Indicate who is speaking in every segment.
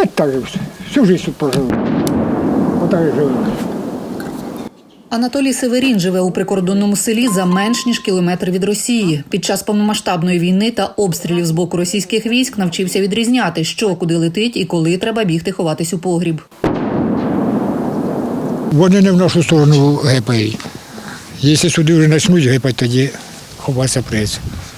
Speaker 1: Та так же всю життя тут прожив. Отак і живемо.
Speaker 2: Анатолій Северін живе у прикордонному селі за менш ніж кілометр від Росії. Під час повномасштабної війни та обстрілів з боку російських військ навчився відрізняти, що куди летить і коли треба бігти ховатись у погріб.
Speaker 1: Вони не в нашу сторону гепають. Якщо сюди вже почнуть гепати, тоді ховатися прийдеться.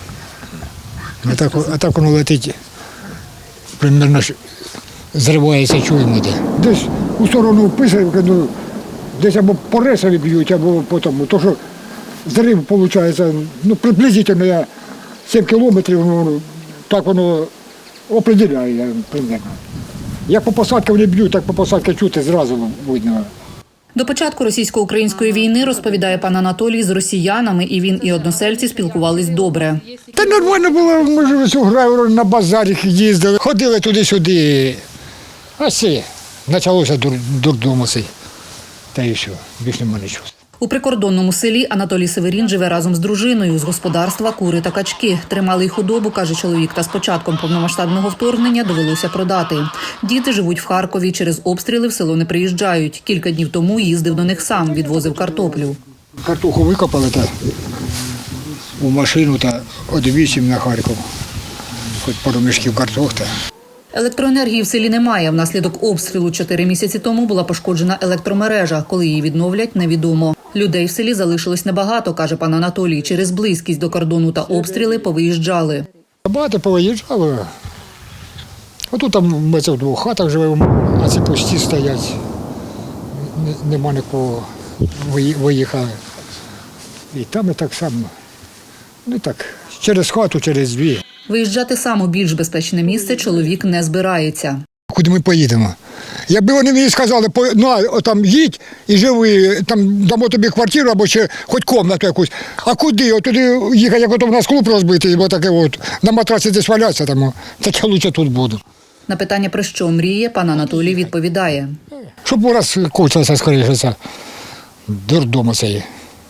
Speaker 1: А так воно летить, примерно зривається, чуємо де. Десь у сторону Писарівки, десь або по ресові б'ють, або по тому. То, що зрив, виходить, приблизительно я 7 кілометрів, так воно определяє примерно. Як по посадці вони б'ють, так по посадці чути зразу видно.
Speaker 2: До початку російсько-української війни, розповідає пан Анатолій, з росіянами і він, і односельці спілкувались добре.
Speaker 1: Та нормально було, ми ж ось у Грайворі на базарі їздили, ходили туди-сюди. А все, почалося дурдому цей. Та і все, більше нема нічого.
Speaker 2: У прикордонному селі Анатолій Северін живе разом з дружиною. З господарства кури та качки. Тримали й худобу, каже чоловік, та з початком повномасштабного вторгнення довелося продати. Діти живуть в Харкові, через обстріли в село не приїжджають. Кілька днів тому їздив до них сам, відвозив картоплю.
Speaker 1: Картоху викопали у машину та одвічим на Харків. Хоч пару мішків картохи.
Speaker 2: Електроенергії в селі немає. Внаслідок обстрілу 4 місяці тому була пошкоджена електромережа. Коли її відновлять, невідомо. Людей в селі залишилось небагато, каже пан Анатолій. Через близькість до кордону та обстріли повиїжджали.
Speaker 1: Багато повиїжджали. Отут там ми в 2 хатах живемо, а ці пусті стоять. Нема нікого, виїхали. І там і так само. Ну так, через хату, через 2.
Speaker 2: Виїжджати сам у більш безпечне місце чоловік не збирається.
Speaker 1: Куди ми поїдемо? Якби вони мені сказали, там їдь і живи, там дамо тобі квартиру або ще хоч кімнату якусь. А куди? От туди їхати, як у нас клуб розбитий, бо таке от, на матраці десь валятися, там, так я краще тут буду.
Speaker 2: На питання, про що мріє, пан Анатолій відповідає.
Speaker 1: Щоб раз кончилося скоріше це дурдому цей.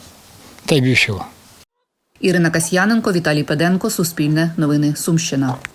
Speaker 1: Та й більше.
Speaker 2: Ірина Касьяненко, Віталій Педенко, Суспільне новини, Сумщина.